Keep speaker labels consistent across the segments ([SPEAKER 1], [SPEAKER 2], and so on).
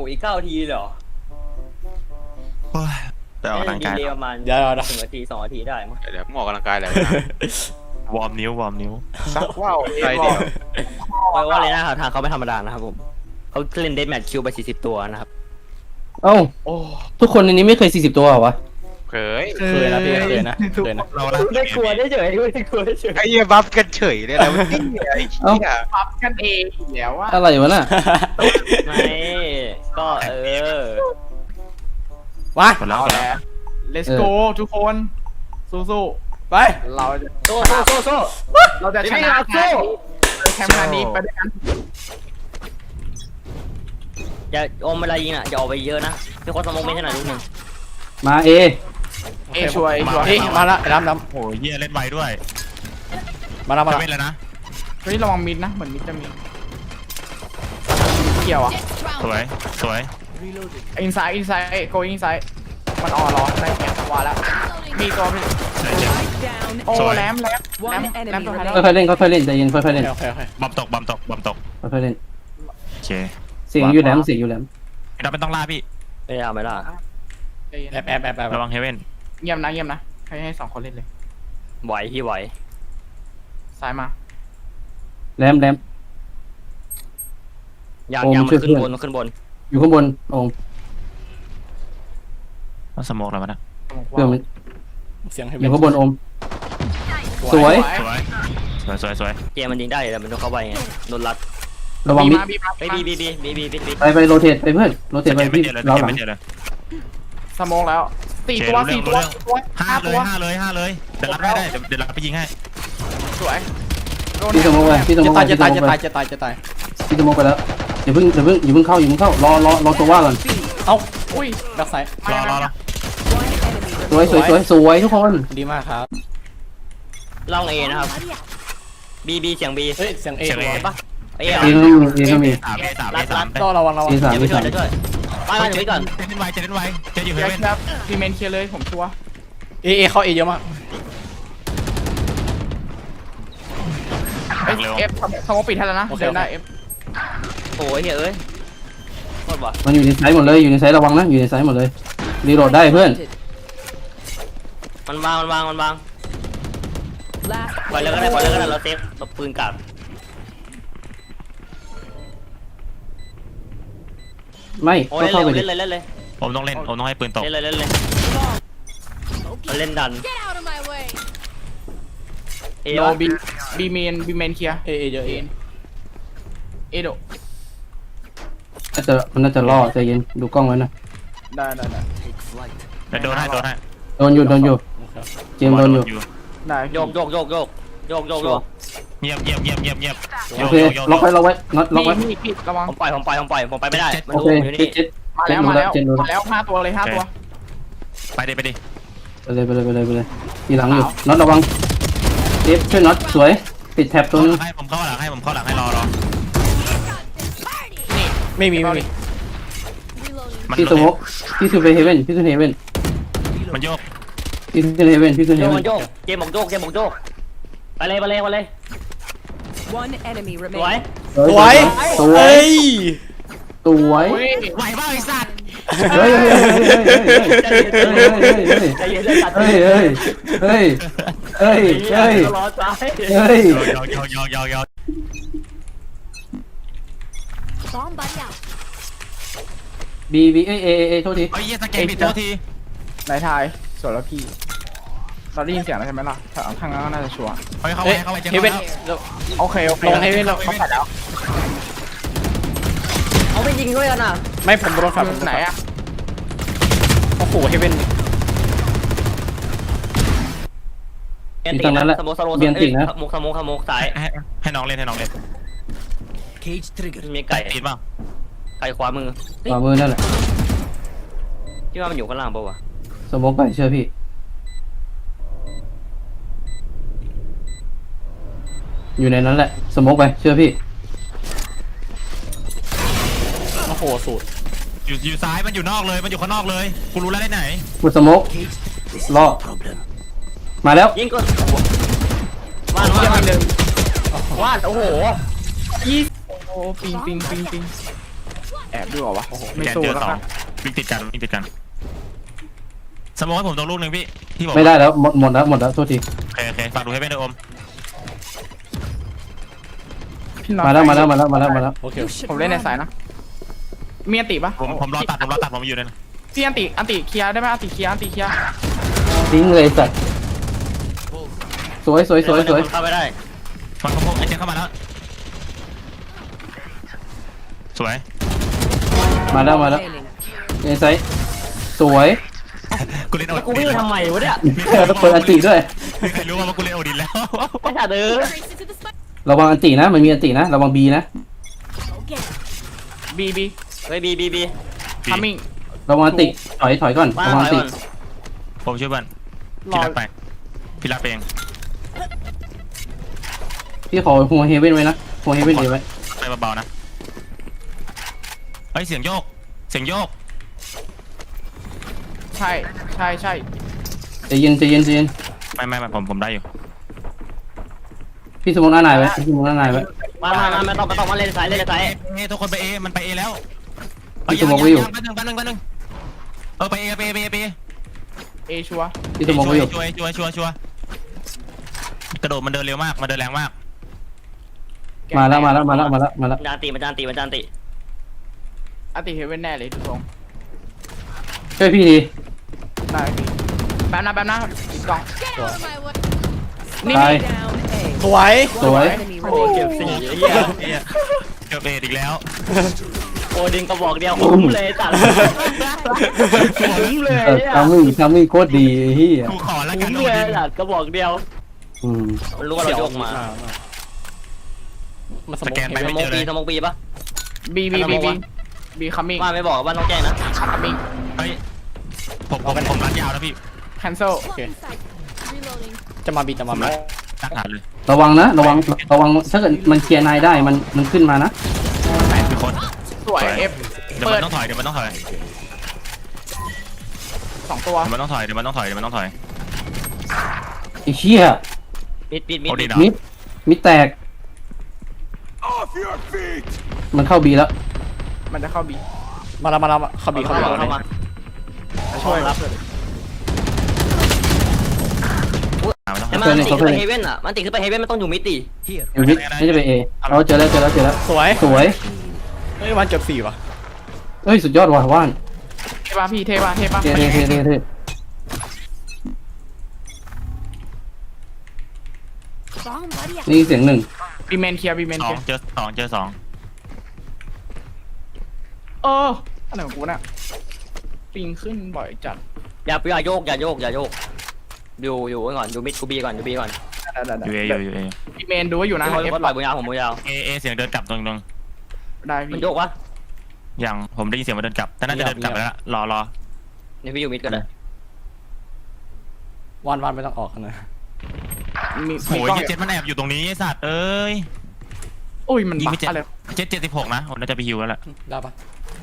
[SPEAKER 1] อีก9 ทีเหรอ
[SPEAKER 2] ไปออกกำลังกาย
[SPEAKER 1] ประมาณ
[SPEAKER 3] เดี๋ยว
[SPEAKER 1] 1 นาที 2 นาทีได้มั้ง
[SPEAKER 4] เดี๋ยวมึงออกกำลังกายอะไร
[SPEAKER 2] วอร์มนิ้ว
[SPEAKER 4] ซักว่าวอะไรเดียว
[SPEAKER 1] เพราะว่าเลยนะครับทางเขาไม่ธรรมดานะครับผมเขาเล่นเดธแมทคิวไป40 ตัวนะครับ
[SPEAKER 5] เอ้า
[SPEAKER 4] โอ้
[SPEAKER 5] ทุกคนในนี้ไม่เคย40ตัวเหรอวะ
[SPEAKER 4] เคย
[SPEAKER 3] เคยนะพี่เคยนะเคยนะ
[SPEAKER 2] เราละ
[SPEAKER 1] ไม่กลัวได้เฉยไม่กลัวได้เฉย
[SPEAKER 4] ไอ้เหี้ยบัฟกันเฉยเลยนะวันนี้ไอ้เหี้ย
[SPEAKER 6] ปรับกันเองอยู่แล้วว่า
[SPEAKER 5] อะไรวะน่ะ
[SPEAKER 1] ไม่ก็
[SPEAKER 3] มา
[SPEAKER 2] หมดแล้ว
[SPEAKER 6] เอาแล้ว let's go ทุกคนสู้
[SPEAKER 3] ไป
[SPEAKER 6] ๆเราจะ
[SPEAKER 1] โซ่โซ่
[SPEAKER 6] เราจะชนะแชมป์นัดนี้ไปด้วยกัน
[SPEAKER 1] อย่าอมเวลายิงอ่ะอย่าออกไปเยอะนะพี่คนสมองไม่ถนัดลูกหนึ่ง
[SPEAKER 5] มา
[SPEAKER 6] เอช่วย
[SPEAKER 3] เฮ้ยมาละน้ำ
[SPEAKER 2] โอ้ยเหี้ยเล่นไวด้วย
[SPEAKER 3] มาละ
[SPEAKER 2] จะเป็นแล้วนะ
[SPEAKER 6] เฮ้ยระวังมิดนะเหมือนมิดจะมีเกี่ยวอ่ะ
[SPEAKER 2] สวย
[SPEAKER 6] อินไซด์โกอินไซด์มันออรอได้แข่งจังหวะแล้วมีตัวพี่
[SPEAKER 2] ใช่เจ็บ
[SPEAKER 6] โอ้
[SPEAKER 2] สวย
[SPEAKER 6] แรมตัวท้ายแล้ว
[SPEAKER 5] ค่อยๆเล่นค่อยๆเล่นใจเย็นค่อยๆเล่น
[SPEAKER 3] โอเค
[SPEAKER 2] บอมตก
[SPEAKER 5] ค่อยๆเล่น
[SPEAKER 2] โอเค
[SPEAKER 5] เสียงอยู่แหลมเสียงอยู่แหลม
[SPEAKER 2] เราเป็นต้องล่าพี่
[SPEAKER 1] ไม่เอาไม่ล่ะ
[SPEAKER 3] แอบ
[SPEAKER 2] ระวังเฮเว่น
[SPEAKER 6] เงียบนะให้2 คนเล่นเลย
[SPEAKER 1] ไหวพี่ไหว
[SPEAKER 6] ซ้ายมา
[SPEAKER 5] แหลมมัน
[SPEAKER 1] ยาง
[SPEAKER 5] โอ้
[SPEAKER 1] ยาง
[SPEAKER 5] มันช่วย
[SPEAKER 1] ขึ้น
[SPEAKER 5] เพื่อน
[SPEAKER 1] บนขึ้นบน
[SPEAKER 5] อยู่ข้างบนโอ้
[SPEAKER 2] ต้องสโมกแล้วมั้งนะ
[SPEAKER 5] เพื่อนมัน
[SPEAKER 3] เสียงให้
[SPEAKER 5] อยู่ข้างบนโอมสวย
[SPEAKER 2] สวย
[SPEAKER 1] เกมมันยิงได้แต่มันต้องเข้าไปไงโดนรัด
[SPEAKER 5] ระวังมิด
[SPEAKER 6] บีมา
[SPEAKER 1] ไปบี
[SPEAKER 5] ไปโรเทตไปเพื่อนโรเทตไป
[SPEAKER 2] ไม่
[SPEAKER 5] ที่
[SPEAKER 2] เจอเลย
[SPEAKER 5] เราหลัง
[SPEAKER 2] ไม่เจอเลย
[SPEAKER 6] สโมองแล้ว4 ตัว5 ตัว
[SPEAKER 2] 5เลยเดี๋ยวรับได้เดี๋ยวรับไปยิงให้
[SPEAKER 6] สวยโดน
[SPEAKER 5] พี่สมองไปพี่สมองไป
[SPEAKER 3] จะตาย
[SPEAKER 5] พี่สมองไปแล้วอย่าเพิ่งเข้ารอตัวว่าก่อน
[SPEAKER 3] เอ้า
[SPEAKER 6] อุ้ย
[SPEAKER 3] แบ็คไซด์
[SPEAKER 2] รอ
[SPEAKER 5] สวยทุกคน
[SPEAKER 3] ดีมากครับ
[SPEAKER 1] ล่องเอนะครับบีเสียงบี
[SPEAKER 3] เฮ้ยเสียงเอ
[SPEAKER 1] ปะเอ
[SPEAKER 5] เอก็มี
[SPEAKER 3] ก็ระวัง
[SPEAKER 5] เอสาม
[SPEAKER 1] เดี๋ยวไปช่วยเดี๋ยวช่วยไปก่อนไปก่อน
[SPEAKER 2] เล่นไวจะอยู่เฮ
[SPEAKER 6] เดี๋ยว
[SPEAKER 2] เว่น
[SPEAKER 6] ครับพีเมนเคลียร์เลยผมชัวร์
[SPEAKER 3] เอเข้าเอเยอะมาก
[SPEAKER 6] เอฟสมองปิดให้แล้วนะเดินได้เอฟ
[SPEAKER 1] โอ้ยเฮ้ยโคตรว่ะ
[SPEAKER 5] มันอยู่ในไซส์หมดเลยอยู่ในไซส์ระวังนะอยู่ในไซส์หมดเลยรีโหลดได้เพื่อน
[SPEAKER 1] มันวางปล่อยเลยก็ได้เราเซฟตบปืนกลับ
[SPEAKER 5] ไม่
[SPEAKER 1] โอ้
[SPEAKER 5] ก็
[SPEAKER 1] ย
[SPEAKER 5] เข้าไปดิ
[SPEAKER 1] เล่นเลย
[SPEAKER 2] ผมต้องให้ปืนตก
[SPEAKER 1] เล่นเลยเล่นดัน
[SPEAKER 7] Get out of my way.
[SPEAKER 1] เอ
[SPEAKER 6] โน
[SPEAKER 1] วะ
[SPEAKER 6] บีเมนเคลียร์
[SPEAKER 3] เอเยอะเอ
[SPEAKER 6] เอโด
[SPEAKER 5] มันน่าจะล่อใจเย็นดูกล้องไว้นะ
[SPEAKER 6] ได้
[SPEAKER 2] โดนให้
[SPEAKER 5] โดนอยู่เจมโดนอยู่
[SPEAKER 6] ได้
[SPEAKER 1] โยก
[SPEAKER 2] เงียบ
[SPEAKER 5] โอเคล็อกไว้น็อตล็อกไว้
[SPEAKER 6] พี่ระวัง
[SPEAKER 1] ผมไปไม่ได้มัน
[SPEAKER 5] โอ
[SPEAKER 1] ดู
[SPEAKER 5] เค
[SPEAKER 1] อยู่นี่
[SPEAKER 5] เจ็ด
[SPEAKER 6] มาแล้ว5 ตัวเลย5 ตัว
[SPEAKER 2] ไปดิ
[SPEAKER 5] ไปเลยทีหลังอยู่น็อตระวังเอฟช่วยน็อตสวยปิดแท็บตัวนึง
[SPEAKER 2] ให้ผมเข้าหลังให้รอ
[SPEAKER 3] ไม่มี
[SPEAKER 7] Reloading.
[SPEAKER 5] พี่สมกพี่ขึ้นไปเฮเว่น
[SPEAKER 2] มันโยก
[SPEAKER 5] พี่ขึ้นเฮเว่น
[SPEAKER 1] โยกเกมบอกโยกไปเลย
[SPEAKER 7] One enemy
[SPEAKER 1] สวย
[SPEAKER 7] remaining.
[SPEAKER 3] สวยเฮ้ย
[SPEAKER 5] สวย
[SPEAKER 2] ไหวบ้าไอ้สัตว์
[SPEAKER 5] เฮ้ย
[SPEAKER 1] ใจเย็นเลยตัด
[SPEAKER 5] เฮ้ย
[SPEAKER 1] รอซ้าย
[SPEAKER 2] ยอก
[SPEAKER 7] Bomb buddy out.
[SPEAKER 5] บีเอโทษที
[SPEAKER 2] ไอ้เหี้ยสแกนผิดตัวที
[SPEAKER 6] นายทายส่วนแล้วพี่เราได้ยินเสียงแล้วใช่ไหมล่ะทางนั้นน่าจะชัวร์
[SPEAKER 2] เข้าไปเจ
[SPEAKER 3] เฮเว่น
[SPEAKER 6] โอเค
[SPEAKER 3] ลงเฮเว่นแล้ว
[SPEAKER 6] เขาปัดแล้ว
[SPEAKER 1] เอาไปยิงด้วยกันอ่ะ
[SPEAKER 3] ไม่ผมโดนฝัน
[SPEAKER 6] ไหนอ่ะ
[SPEAKER 3] โอ้โหเฮเว่น
[SPEAKER 1] สโมกสาย
[SPEAKER 2] ให้น้องเล่น
[SPEAKER 1] มีไก่
[SPEAKER 2] ติดเปล่า
[SPEAKER 1] ไก่ขวามือ
[SPEAKER 5] ขวามือนั่นแหละ
[SPEAKER 1] ที่ว่ามันอยู่ข้างล่างป่าวะ
[SPEAKER 5] สมกไปเชื่อพี่อยู่ในนั้นแหละสมกไปเชื่อพี่
[SPEAKER 3] โอ้โหสูตร
[SPEAKER 2] อยู่ซ้ายมันอยู่นอกเลยมันอยู่ข้างนอกเลยกูรู้แล้วได้ไหน
[SPEAKER 5] กดสมกล่อมาแล้ว
[SPEAKER 1] ยิงก่อนวาดโอ้โห
[SPEAKER 6] โอ้ปิง
[SPEAKER 1] ไ
[SPEAKER 6] แอบดูเหรอวะไม่
[SPEAKER 2] แกน
[SPEAKER 6] สู้
[SPEAKER 2] เจอ
[SPEAKER 6] แล้ว
[SPEAKER 2] สอง
[SPEAKER 6] ครับ
[SPEAKER 2] วิ่งติดกันวิ่งติดกันสมมติให้ผมตรงลูกหนึ่งพี่ที่บอก
[SPEAKER 5] ไม่ได้แล้วหมดแล้วโทษที
[SPEAKER 2] โอเคฝากดูให้เป็นด้วยอม
[SPEAKER 6] พี่น็อต
[SPEAKER 5] มาแล้ว
[SPEAKER 3] โอเค
[SPEAKER 6] ผมเล่นในสายนะมีอันติปะ
[SPEAKER 2] ผมรอตัดผมอยู่เลยนะ
[SPEAKER 6] พี่อันติเคลียร์ได้ไหมอันติเคลียร์
[SPEAKER 5] ทิ้งเลยสัตว์สวย
[SPEAKER 1] เข้าไปได้
[SPEAKER 2] ฟังเขาพวกไอ้เจ๊เข้ามาแล้วสวย
[SPEAKER 5] มาแล้ว
[SPEAKER 7] Remaining.
[SPEAKER 5] เอไซส์สวย
[SPEAKER 2] กูเล่นโอ
[SPEAKER 1] กูวิ่งทำไมวะเนี่ย
[SPEAKER 5] เปิดอันติด้วย
[SPEAKER 2] มีใครรู้ว่ากูเล่นโอดินแล้ว
[SPEAKER 1] ไอ้สัตว์เออ
[SPEAKER 7] Trace into the spike.
[SPEAKER 5] ระวังอันตินะมันมีอันตินะระวังบีนะ
[SPEAKER 7] Okay.
[SPEAKER 6] บี
[SPEAKER 1] เฮ้ยบี
[SPEAKER 6] ทัมมิ่ง
[SPEAKER 5] ระวังอันติถอยก่อน
[SPEAKER 1] มา
[SPEAKER 5] ระวัง
[SPEAKER 1] ถ
[SPEAKER 5] อั
[SPEAKER 1] อน ย
[SPEAKER 5] ติ
[SPEAKER 1] ก่อน
[SPEAKER 2] ผมช่วยเพื่อนพี่รักไปพี่รักไปเอง
[SPEAKER 5] พี่ขอหัวเฮเว่นไว้นะหัวเฮเว่นไว้
[SPEAKER 2] ไปเบาๆนะเฮ้ยเสียงโยก
[SPEAKER 6] ใช่
[SPEAKER 5] ใจเย็น
[SPEAKER 2] ไม่ผมได้อยู่
[SPEAKER 5] พี่สมองหน้านายไว้พี่สมองหน้านายไว้
[SPEAKER 1] มาไม่ต้องมาเล่นสาย
[SPEAKER 2] ทุกคนไปเอมันไปเอแล้ว
[SPEAKER 5] พี่สมองไว้อยู่
[SPEAKER 2] แป๊บนึงไปเอ
[SPEAKER 6] เอชัวร์
[SPEAKER 5] พี่สมองไว้อยู่
[SPEAKER 2] ช่วยกระโดดมันเดินเร็วมากมันเดินแรงมาก
[SPEAKER 5] มาแล้ว
[SPEAKER 1] จานตีมันจานตี
[SPEAKER 6] อันติเฮเว่นแน่เลยทุกทรง
[SPEAKER 5] ช่วยพี่ที
[SPEAKER 6] ได้พี่แป๊บนะอีกกล่อง
[SPEAKER 7] Get out of my way.
[SPEAKER 6] นี่
[SPEAKER 5] ตาย
[SPEAKER 7] Down A.
[SPEAKER 3] สวย
[SPEAKER 5] สวย
[SPEAKER 7] Enemy
[SPEAKER 1] โอ้
[SPEAKER 7] remaining.
[SPEAKER 1] เก็บสี่ไอ้เหี้ย
[SPEAKER 2] เกือบเออีกแล้ว
[SPEAKER 1] โอ้ดึงกระบอกเดียวคุ้มเลยตัดคุ้มเลย
[SPEAKER 5] ทำมิ่งโคตรดีเฮีย
[SPEAKER 2] กูขอแล้วกั
[SPEAKER 1] คุ้
[SPEAKER 2] น
[SPEAKER 1] มเลยตัดกระบอกเดียว มันรู้ว่าเราโยกมา
[SPEAKER 3] มัน
[SPEAKER 2] สแกนไป
[SPEAKER 1] ส
[SPEAKER 2] ไม่
[SPEAKER 1] ม
[SPEAKER 2] เจ
[SPEAKER 1] อง
[SPEAKER 2] อเล
[SPEAKER 1] ปี
[SPEAKER 2] ย
[SPEAKER 1] สมองปีปะ
[SPEAKER 6] บีคัมมิ่ง
[SPEAKER 1] ว่าไม่บอกว่าน้องแจ้งนะ
[SPEAKER 6] คัมมิ่ง
[SPEAKER 2] เฮ้ยผมรัดยาวแล้วพี่
[SPEAKER 6] แคนเซิล
[SPEAKER 7] Swap inside. Reloading.
[SPEAKER 3] จะมาบีจะมาบี
[SPEAKER 2] ตักหาเลย
[SPEAKER 5] ระวังถ้าเกิดมันเคลียร์นายได้มันขึ้นมานะ
[SPEAKER 2] มีคน
[SPEAKER 6] สวยเอฟ
[SPEAKER 2] เดี๋ยว
[SPEAKER 6] เปิ
[SPEAKER 2] มั
[SPEAKER 6] ด
[SPEAKER 2] นต้องถอย
[SPEAKER 6] 2 ตัว
[SPEAKER 2] เดี๋ยวมันต้องถอย
[SPEAKER 5] ไอ้เชี่ย
[SPEAKER 1] มิด
[SPEAKER 2] โอดีด
[SPEAKER 5] มิดแตกมันเข้าบีแล้ว
[SPEAKER 6] มันจะเข้าบี
[SPEAKER 3] มาแล้วเข้าบีเข้าบี
[SPEAKER 1] เข้ามา
[SPEAKER 6] ช่วยรับ
[SPEAKER 1] แต่มันติขึ้นไปเฮเว่นอ่ะมันติขึ้นไปเฮเว่นมันต้องอยู่มิดดิ
[SPEAKER 5] อยู่มิดไม่จะไปเอเราเจอแล้ว
[SPEAKER 3] สวย
[SPEAKER 5] สวย
[SPEAKER 3] เฮ้ยวันเกือบ4ว่ะ
[SPEAKER 5] เอ้ยสุดยอดว่ะว่าน
[SPEAKER 6] เทป่ะพี่เทป่ะ
[SPEAKER 5] เท่
[SPEAKER 7] Bomb buddy out.
[SPEAKER 5] นี่เสียงหนึ่ง
[SPEAKER 6] บีเมนเคลียร์บีเมน
[SPEAKER 2] สอ
[SPEAKER 6] เคลี
[SPEAKER 2] ง
[SPEAKER 6] ยร์
[SPEAKER 2] เจอสอง
[SPEAKER 6] อะไรของกูน่ะปิงขึ้นบ่อยจัด
[SPEAKER 1] อย่าโยกอยู่ไว้ก่อนอยู่มิดกูบีก่อน
[SPEAKER 2] อยู่เอ
[SPEAKER 6] บีเมนดูว่าอยู่นะ
[SPEAKER 1] พี่
[SPEAKER 6] เอฟ
[SPEAKER 1] เขาปล่อยบุญยาวผมบุญยาว
[SPEAKER 2] เอเสียงเดินกลับตรง
[SPEAKER 6] ได้
[SPEAKER 1] มัน
[SPEAKER 6] พี่
[SPEAKER 1] โยกวะ
[SPEAKER 2] อย่างผมได้ยินเสียงมันเดินกลับแต่น่าจะเดินกลับแล้วรอ
[SPEAKER 1] นี่พี่อยู่มิดก็ได้
[SPEAKER 3] วันไม่ต้องออกนะ
[SPEAKER 6] มี
[SPEAKER 2] โอ้ย
[SPEAKER 6] กล้อง
[SPEAKER 2] เจ็ดมันแอบอยู่ตรงนี้ไอ้สัตว์เอ้ย
[SPEAKER 6] อุ้ยมัน
[SPEAKER 2] ยิง
[SPEAKER 6] บั
[SPEAKER 2] ไม่
[SPEAKER 6] ก
[SPEAKER 2] เจ็ด
[SPEAKER 6] อะไร
[SPEAKER 2] 76นะผมน่าจะไปฮิวแล้วแหละ
[SPEAKER 3] ได้ปะ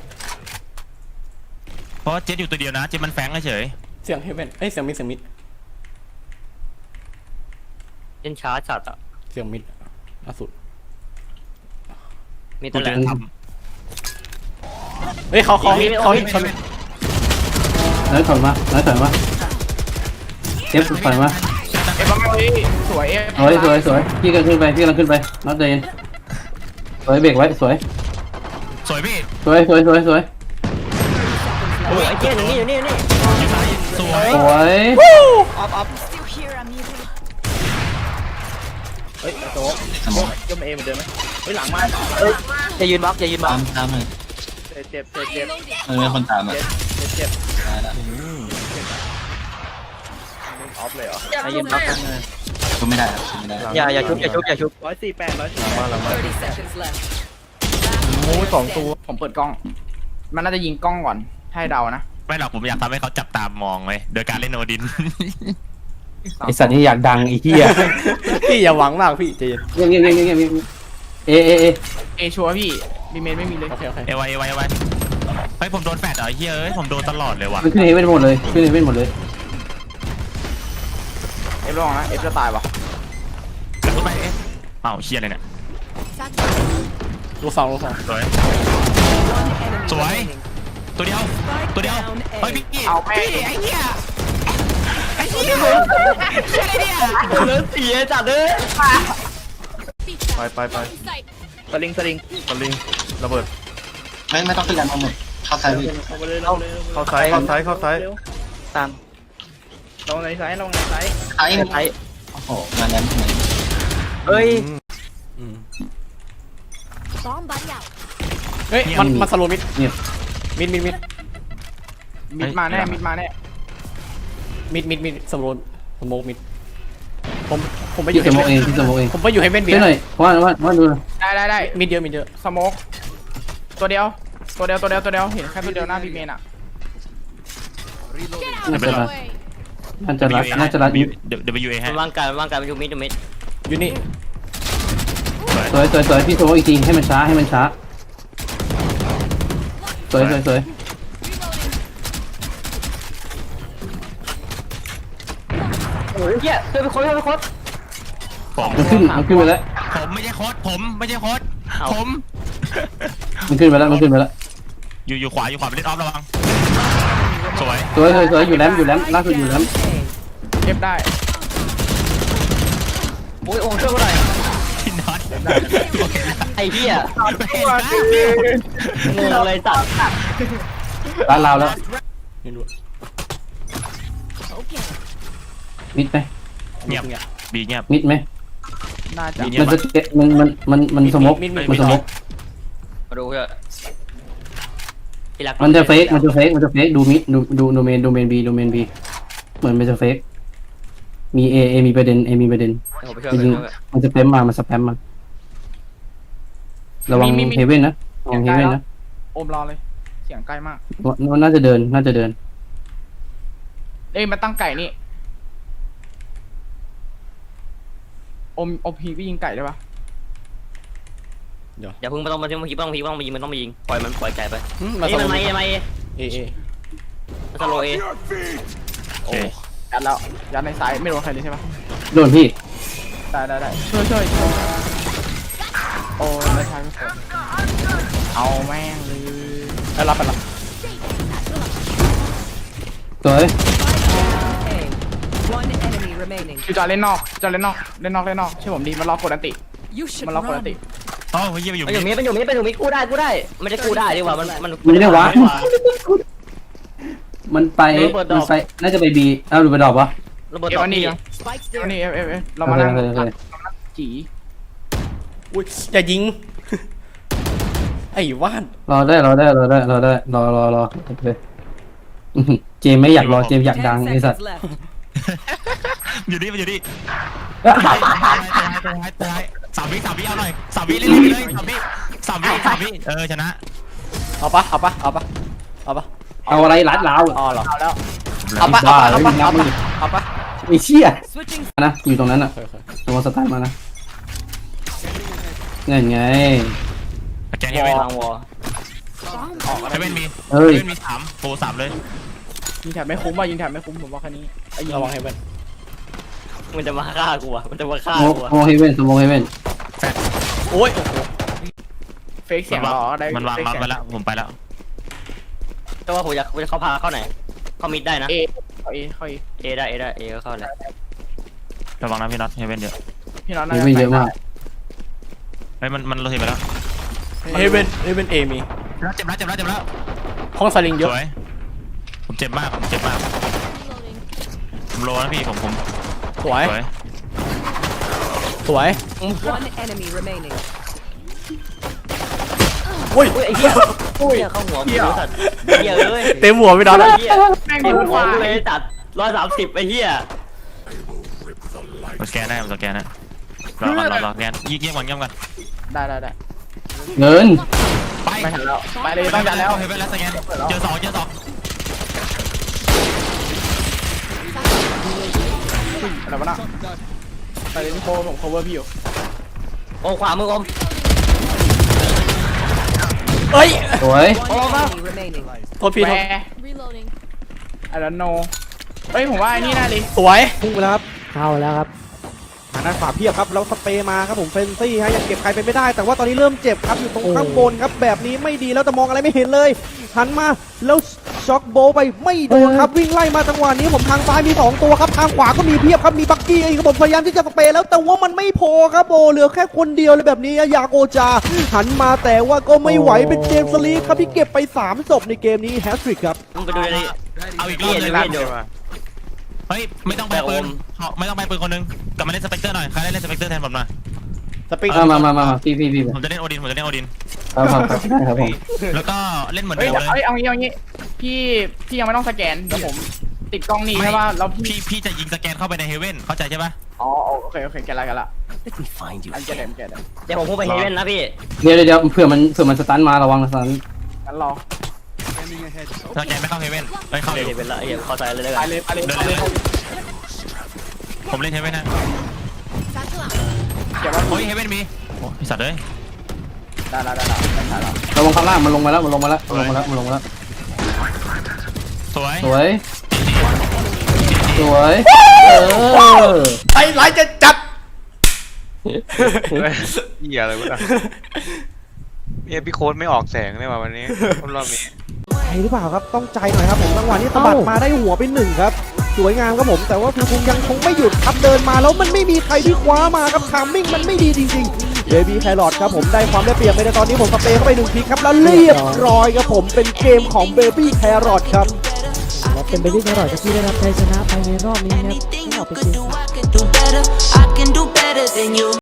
[SPEAKER 2] เพราะเจ็ดอยู่ตัวเดียวนะเจ็ดมันแฝงเฉย
[SPEAKER 3] เสียงเฮเว่นเอ้ยเสียงมิด
[SPEAKER 1] เล่นช้าจัดอ่ะ
[SPEAKER 3] เสียงมิดล่าสุด
[SPEAKER 1] มี
[SPEAKER 2] กู
[SPEAKER 1] แต่แหล
[SPEAKER 2] เจ
[SPEAKER 1] ม
[SPEAKER 2] อท
[SPEAKER 3] เฮ้ยเขา
[SPEAKER 5] น้อยถอยมาเอฟถอยมา
[SPEAKER 6] เอฟบ้างเลยสวยเอฟ
[SPEAKER 5] สวยพี่กำลังขึ้นไปน็อตเดนสวยเบรกไว้สวย
[SPEAKER 2] ำสวยพี่
[SPEAKER 5] โอ้ย
[SPEAKER 1] โอ้ยไอ้เจ๊อยู่นี่
[SPEAKER 2] อยู่ซ้ายสวย
[SPEAKER 5] สวย
[SPEAKER 1] ออฟ
[SPEAKER 7] Still here, amigo.
[SPEAKER 1] จะยืนบล็อก
[SPEAKER 6] เจ็บ
[SPEAKER 7] Reloading.
[SPEAKER 8] คนตามอ่ะ
[SPEAKER 1] จะยืนบล็อก
[SPEAKER 8] ชุบไม่ได้ครับชุบไม่ได้
[SPEAKER 1] อย่าชุบ
[SPEAKER 7] 30 seconds left.
[SPEAKER 6] โอ้2 ตัวผมเปิดกล้อง มันน่าจะยิงกล้องก่อนให้เดานะ
[SPEAKER 2] ไม่หรอกผมอยากทำให้เขาจับตามองเลยโดยการเล่นโอดิน
[SPEAKER 5] ไอสัตว์นี่อยากดังไอ้เหี้ย
[SPEAKER 3] พี่อย่าหวังมากพี่ใจเย็น
[SPEAKER 5] เงี้ยเอ
[SPEAKER 6] เอชัวร์พี่บีเมนไม่มีเลย
[SPEAKER 3] โอเค
[SPEAKER 2] เอไวเฮ้ยผมโดนแฟดเหรอเฮ้ยเอ้ยผมโดนตลอดเลยว่ะ
[SPEAKER 5] มันขึ้นเฮเว่นหมดเลย
[SPEAKER 6] เอฟลองนะเอฟจะตายวะ
[SPEAKER 2] กระตุ้นไปเอ๊ะอ้าวเชียอะไรเนี่ย
[SPEAKER 7] Satchel.
[SPEAKER 3] ลูกสอง
[SPEAKER 2] สวยสวยตัวเดียวเฮ้ยพี่
[SPEAKER 6] เอาแม่ง
[SPEAKER 2] ไอ้เหี้ย
[SPEAKER 1] เลือดเสียจัดเลย
[SPEAKER 7] Feet down. In sight.
[SPEAKER 6] สลิง
[SPEAKER 9] ตะลิงระเบิด
[SPEAKER 8] ไม่ต้องขึ้นแรงเอาหมดเข้าซ้ายพี่
[SPEAKER 9] เข้าซ้ายเข้าซ้ายเข้าซ้าย
[SPEAKER 6] ตามลงในไซส์
[SPEAKER 8] ซ้ายโอ้โหมาแล้ว
[SPEAKER 1] เฮ้ย
[SPEAKER 3] อืม
[SPEAKER 7] Bomb buddy out.
[SPEAKER 3] เฮ้ยมันสโลว์มิด
[SPEAKER 5] เงียบ
[SPEAKER 3] มิด
[SPEAKER 6] มิดมาแน่
[SPEAKER 3] มิดสโลว์สโมกมิดผมไปอ
[SPEAKER 5] พี่
[SPEAKER 3] ยู่
[SPEAKER 5] สมองเองพี่สมองเอง
[SPEAKER 3] ผมไปอยู่ให้เบนเบี
[SPEAKER 5] ช่วย
[SPEAKER 3] ย
[SPEAKER 5] หน่อยว่าดู
[SPEAKER 6] ได้
[SPEAKER 3] มิดเยอะ
[SPEAKER 6] สโมกตัวเดียวเห็นแค่ตัวเดียวหน้าบีเมนอ่ะ
[SPEAKER 7] Get out of my
[SPEAKER 5] Better.
[SPEAKER 7] way.
[SPEAKER 5] น่าจะรัด
[SPEAKER 2] WA ให้
[SPEAKER 1] วางการมันอยู่มิด
[SPEAKER 3] อยู่นี่
[SPEAKER 5] สวยพี่สมองอีกทีให้มันช้าสวย
[SPEAKER 7] Reloading.
[SPEAKER 1] โอ้ยเหี้ยเพื่อนไปโค้ด
[SPEAKER 2] ผม
[SPEAKER 5] มันขึ้นไปแล้ว
[SPEAKER 2] ผมไม่ใช่โค้ดผม
[SPEAKER 5] มันขึ้นไปแล้ว
[SPEAKER 2] อยู่ขวาไปเล่นออฟระวังสวย
[SPEAKER 5] สวยอยู่แรมล่าสุดอยู่แรม
[SPEAKER 6] เก็บได้
[SPEAKER 1] โอ้ยโอ้ช่วยกูหน่อย
[SPEAKER 2] พี่น็อต
[SPEAKER 1] ไอ้เหี้ย
[SPEAKER 2] เห็นปะ
[SPEAKER 1] งงเลยจัด
[SPEAKER 5] ร้านเราแล้ว
[SPEAKER 3] ไม่รู้
[SPEAKER 7] Okay.
[SPEAKER 5] มิดไหม
[SPEAKER 2] เงียบบีเงียบ
[SPEAKER 5] มิดไหม
[SPEAKER 6] น่าจะ
[SPEAKER 5] มันจะเก็บมันสมกมันสมก
[SPEAKER 1] มาดูเพื่อที่รัก
[SPEAKER 5] มันจะเฟกดูมิดดูโดเมนบีเหมือนมันจะเฟกมีเอมีประเด็น
[SPEAKER 1] ผมไปช่วย
[SPEAKER 5] จริงมันจะสแปมมาระวังเฮเว่นนะระวังเฮเว่นนะ
[SPEAKER 6] โอมรอเลยเสียงใกล้มาก
[SPEAKER 5] น่าจะเดิน
[SPEAKER 6] เอ้ยมันตั้งไก่นี่โอมพีก็ยิงไก่ได้ปะ
[SPEAKER 1] อย่าเพิ่งไม่ต้องมายิงมันต้องมายิงปล่อยไก่ไป
[SPEAKER 3] มา
[SPEAKER 1] นี่
[SPEAKER 3] สโล
[SPEAKER 1] มัน
[SPEAKER 3] ว์มิด
[SPEAKER 1] ไม่
[SPEAKER 3] เอ
[SPEAKER 1] มันสโลเอ
[SPEAKER 2] โอเค
[SPEAKER 6] ยัดแล้วยัดในซ้ายไม่โดนใครเลยใช่ปะ
[SPEAKER 5] โดนพี่
[SPEAKER 6] ได้ช่วยโอ้ในซ้ายไม่สนเอาแม่งเลย
[SPEAKER 3] ได้รับไปละ
[SPEAKER 5] สวย
[SPEAKER 10] One enemy remaining.
[SPEAKER 6] คือจะเล่นนอกเล่นนอกเชื่อผมดีมันรอกดอันติ
[SPEAKER 10] You should
[SPEAKER 6] มันรอกดอันติ
[SPEAKER 2] อ๋อเฮียอยู่
[SPEAKER 1] มันอยู่มิดกู้ได้ไม่ได้กู้ได้ดีกว่ามัน
[SPEAKER 5] มันไม่ได้วะมันไปน่าจะไปบีดูไปดอกวะ
[SPEAKER 1] ระเบิด
[SPEAKER 6] เก็บ
[SPEAKER 1] ต่อ
[SPEAKER 6] อันนี้
[SPEAKER 1] พี่
[SPEAKER 6] ยัง
[SPEAKER 10] Spikes
[SPEAKER 6] อัน
[SPEAKER 10] there.
[SPEAKER 6] นี้เรามานั่งจี
[SPEAKER 3] อุ้ยอย่ายิง ไอ้ว่าน
[SPEAKER 5] รอได้รอเจมไม่อยากรอเจมอยากดัง
[SPEAKER 10] 10
[SPEAKER 5] ไอ้สัตว์
[SPEAKER 10] seconds left.
[SPEAKER 2] อยู่นี่ตายสามวิเอาหน่อยสามวิเล่นเลยสามวิชนะ
[SPEAKER 3] เอาปะ
[SPEAKER 5] เอาอะไรรัดล้าว
[SPEAKER 3] อ๋อเหรอ
[SPEAKER 6] เอาแล้ว
[SPEAKER 3] เอาปะ
[SPEAKER 5] ไอ้เชี่ย
[SPEAKER 10] Switching.
[SPEAKER 5] นะอยู่ตรงนั้นอ่ะ
[SPEAKER 3] เคย
[SPEAKER 5] ตัวสตาร์ทมานะไง
[SPEAKER 2] แกนเฮเว่น
[SPEAKER 1] วางวอ
[SPEAKER 2] เฮเว่นมี
[SPEAKER 5] เอ้ย
[SPEAKER 2] เฮเว่นมีโปรสามเลย
[SPEAKER 6] ยิงแถบไม่คุ้มผมบอกแค่นี้ไอ้ยิง
[SPEAKER 3] ระวังให้เว้น
[SPEAKER 1] มันจะมาฆ่ากูอ่ะมันจะมาฆ่า
[SPEAKER 5] โม
[SPEAKER 1] กูอ่ะ
[SPEAKER 5] โมเฮเว่นสมองเฮเว่น
[SPEAKER 3] โอ้ย
[SPEAKER 6] เฟกเสียงรอได้
[SPEAKER 2] มันวางบัฟไปแล้วผมไปแล้ว
[SPEAKER 1] แต่ว่าผมอยากเขาพาเข้าไหนเข้ามิดได้นะ
[SPEAKER 6] เอ
[SPEAKER 1] เอได้ก็เข้าเลย
[SPEAKER 2] ระวังนะพี่น็อตเฮเว่นเยอะ
[SPEAKER 6] พี่น้อง
[SPEAKER 5] เฮเว่นเยอะมาก
[SPEAKER 2] เฮ้ยมันเราเห็นไปแล้ว
[SPEAKER 3] เฮเว่นเอมี
[SPEAKER 2] เจ็บแล้ว
[SPEAKER 3] ห้องสลิงเย
[SPEAKER 2] ส
[SPEAKER 3] อะ
[SPEAKER 2] วยผมเจ็บมาก
[SPEAKER 7] Reloading.
[SPEAKER 2] ผมโลนะพี่ผม
[SPEAKER 3] สวย
[SPEAKER 10] One enemy remaining.
[SPEAKER 3] อุ้ย
[SPEAKER 1] ไอ้เหี้ยเข้าหัวกูสัตว์เหี้ยเอ้ย
[SPEAKER 3] เต็มหัวพี่น้อง
[SPEAKER 1] เหี้ยเต็มหัวกูเลยจัด130ไอ้เหี้ย
[SPEAKER 2] สแกนได้รอสแกนเงียบก่อน
[SPEAKER 6] ได้
[SPEAKER 5] เงิน
[SPEAKER 2] ไป
[SPEAKER 6] ไม่ทันแล้วไปเลยต้องยัดแล้ว
[SPEAKER 2] เฮเว่นแล้วสแกนเจอสอง
[SPEAKER 6] อะไรวะน่ะไปเลยพี่โคผม cover พี่อยู่
[SPEAKER 1] โอ้ขวามืออม
[SPEAKER 3] เอ้ย
[SPEAKER 5] สวย
[SPEAKER 10] One enemy remaining.
[SPEAKER 3] โทษพี่
[SPEAKER 6] แหว
[SPEAKER 7] Reloading.
[SPEAKER 6] I don't know เฮ้ยผมว่าไอ้นี่น่าดิ
[SPEAKER 3] สวย
[SPEAKER 6] พุ่งไปแล้วครับเข้าแล้วครับ
[SPEAKER 3] ม
[SPEAKER 11] างด้านขวาเพียบครับแล้วสเปรย์มาครับผมเฟนซี่ฮะยังเก็บใครไปไม่ได้แต่ว่าตอนนี้เริ่มเจ็บครับอยู่ตรงข้างบนครับแบบนี้ไม่ดีแล้วแต่มองอะไรไม่เห็นเลยหันมาแล้วช็อกโบไปไม่โดนครับวิ่งไล่มาจังหวะนี้ผมทางซ้ายมี2ตัวครับทางขวาก็มีเพียบครับมีบักกี้เองครับผมพยายามที่จะสเปรย์แล้วแต่ว่ามันไม่พอครับโบเหลือแค่คนเดียวเลยแบบนี้ยาโกจาหันมาแต่ว่าก็ไม่ไหวเป็นเจมส์สลีฟครับที่เก็บไป3ศพในเกมนี้แฮตทริกครับ
[SPEAKER 1] มึงไปดูดิ
[SPEAKER 2] เอาอีกรอบเลย
[SPEAKER 1] พี่
[SPEAKER 2] พี่
[SPEAKER 1] เดี๋ยว
[SPEAKER 2] เฮ้ยไม่ต้องไปปืนไม่ต้องไปปืนคนนึงกลับมาเล่นสเปกเตอร์หน่อยใครได้เล่นสเปกเตอร์แทนผมหน่อย
[SPEAKER 11] สปีด
[SPEAKER 5] มาพี่
[SPEAKER 2] ผมจะเล่นโอดิน
[SPEAKER 5] ครับได้ครับผม
[SPEAKER 2] แล้วก็เล่นเหมือน
[SPEAKER 6] เฮ้ย
[SPEAKER 2] เดิมเลย
[SPEAKER 6] เอางี้พี่ยังไม่ต้องสแกนเดี๋ยวผมติดกล้องนี่ใช่ป่ะแล้วพี่
[SPEAKER 2] พี่จะยิงสแกนเข้าไปในเฮเว่นเข้าใจใช่ปะ
[SPEAKER 6] อ๋อโอเคแกละอันเจเดม
[SPEAKER 1] เดี๋ยวผมพุ่งไปเฮเว่นนะพี่
[SPEAKER 5] เดี๋ยวเผื่อมันสตันมาระวังสตัน
[SPEAKER 6] งั้นรอ
[SPEAKER 2] สแกนไม่เข้าเฮเว่นเฮ้ยเข้าอยู่
[SPEAKER 1] เดี๋ยวเป็นละเดี๋ยวเข้าใจเลยแล้ว
[SPEAKER 6] ไป
[SPEAKER 1] กัน
[SPEAKER 6] เลย
[SPEAKER 2] เดินเลยผมเล่นเฮเว่นนะ
[SPEAKER 7] Satchel out.
[SPEAKER 6] เดี๋ยวว่า
[SPEAKER 2] โอ้ยเฮเว่นมีโอ้ยสัตว์เลย
[SPEAKER 6] ได้
[SPEAKER 5] ระวังข้างล่างมันลงมาแล้ว
[SPEAKER 2] สวย
[SPEAKER 5] สวย
[SPEAKER 3] ไอ้ไรจะจัด
[SPEAKER 4] เหี้ยอะไรวะเนี่ยพี่โค้ดไม่ออกแสงเลยว่ะวันนี้รอบนี้
[SPEAKER 11] ใจหรือเปล่าครับต้องใจหน่อยครับผมจังหวะนี้สะบัดมาได้หัวไป1ครับสวยงามครับผมแต่ว่าฟิวคุงยังคงไม่หยุดครับเดินมาแล้วมันไม่มีใครที่คว้ามาครับทามมิ่งมันไม่ดีจริงๆเบบี้แครอทครับผมได้ความได้เปรียบไปในตอนนี้ผมสเปรย์เข้าไป1ทีครับแล้วเรียบร้อยครับผมเป็นเกมของเบบี้แครอทครับและเป็นเบบี้แครอทที่ได้รับชัยชนะภายในรอบนี้ครับ